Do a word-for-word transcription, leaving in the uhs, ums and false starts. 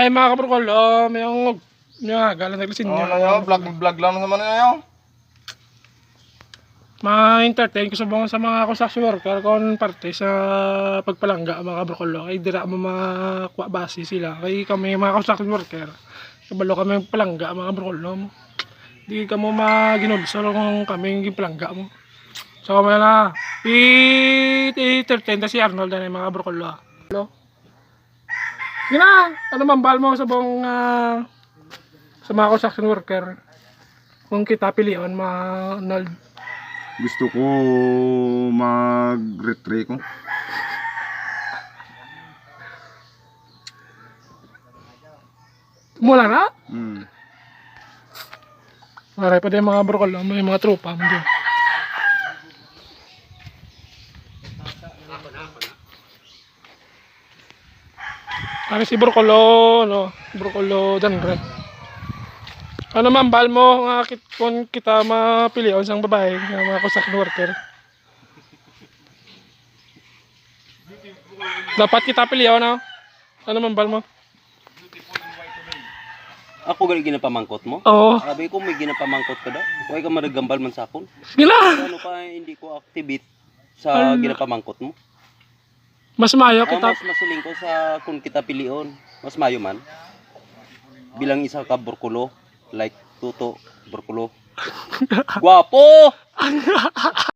Ay mga kabrokol, oh, may yung may galang naglasin Oo niya. na yun, vlog, vlog lang naman na yun. Ma-entertain ko sa mga sa mga construction worker kung parte sa pagpalangga mga kabrokol. Kay dira mo makuha base sila. Kay kami mga construction worker. Kabalo kami palangga mga kabrokol. No? Di ka mo maginulso kung kami yung palangga mo. So kami na i-entertain si Arnold na mga kabrokol. Hello? Gina, ano mambal mo sa buong uh, sa mga construction worker kung kita pilihan mga Arnold? Gusto ko mag-retry ko. Mula na? Hmm. Maray pa din mga brokol, may mga tropa mo dyan. Pare si Brokolo, no? Brokolo Danre. Ano man, bal mo nga kit kung kita mapilihan sang babae nga mga construction worker. Dapat kita pilihan, no? Ano man, bal mo? Ako gali ginapamangkot mo? Oo. Sabi ko may ginapamangkot ka daw. Huwag ka maragambal man sa akon. Sige na! Ano pa hindi ko activate sa Ano? ginapamangkot mo? Mas mayo Ah, kita. mas masiling ko sa kung kita pilion. Mas mayo man. Bilang isa ka burkulo. Like Tuto, burkulo. Guwapo!